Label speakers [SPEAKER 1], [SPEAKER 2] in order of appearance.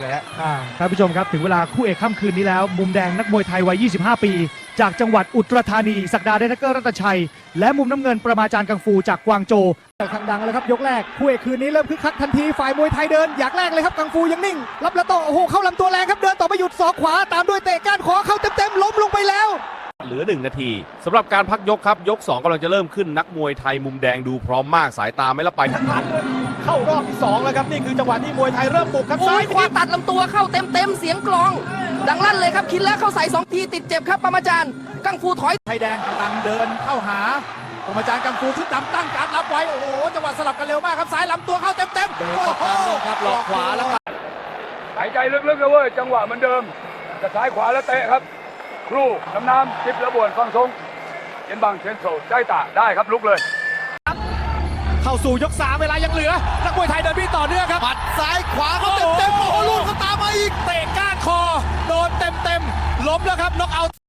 [SPEAKER 1] ท่านผู้ชมครับถึงเวลาคู่เอกค่ำคืนนี้แล้วมุมแดงนักมวยไทยวัย 25 ปี จากจังหวัดอุตรธานีศักดาเดชเกอร์รัตนชัย และมุมน้ำเงินประมาจารย์กังฟูจากกวางโจวทางดังแล้วครับยกแรกคู่เอกคืนนี้เริ่มคึกคักทันทีฝ่ายมวยไทยเดินอยากแรกเลยครับกังฟูยังนิ่งรับแล้วโตโอ้โหเข้าลำตัวแรงครับเดินต่อไปหยุดศอกขวาตามด้วยเตะก้านคอเข้าเต็มๆล้มลงไปแล้ว
[SPEAKER 2] เหลือ1 นาทีสำหรับการพักยกครับยก 2กำลังจะเริ่มขึ้นนักมวยไทยมุมแดงดูพร้อมมากสายตาไม่ละไป
[SPEAKER 3] เข้ารอบที่2แล้วครับนี่คือจังหวะที่มวยไทยเริ่มบุกครับ
[SPEAKER 4] ซ้ายขวาตัดลำตัวเข้าเต็มเสียงกลอง ดังลั่นเลยครับคิดแล้วเข้าใส่2 ทีติดเจ็บครับปรมาจารย์กังฟูถอย
[SPEAKER 3] ไทยแดงกำลังเดินเข้าหาปรมาจารย์กังฟูชุดดำตั้งการรับไว้โอ้โหจังหวะสลับกันเร็วมากครับซ้ายลำตัวเข้าเต็มโอ้โห
[SPEAKER 5] ครับหลอกขวาแล้วหายใจลึกๆเลยเว้ยจังหวะเหมือนเดิมจะซ้ายขวาแล้วเตะครับครูน้ำจิบระบวนฟังทรงเย็นบังเชนโซใจตาได้ครับลุกเลย
[SPEAKER 3] เข้าสู่ยก3เวลายังเหลือนักมวยไทยเดินพี่ต่อเนื่องครับปัดซ้ายขวาเขาเต็มโอ้โหลูกเขาตามมาอีกเตะก้านคอโดนเต็มล้มแล้วครับน็อกเอาท์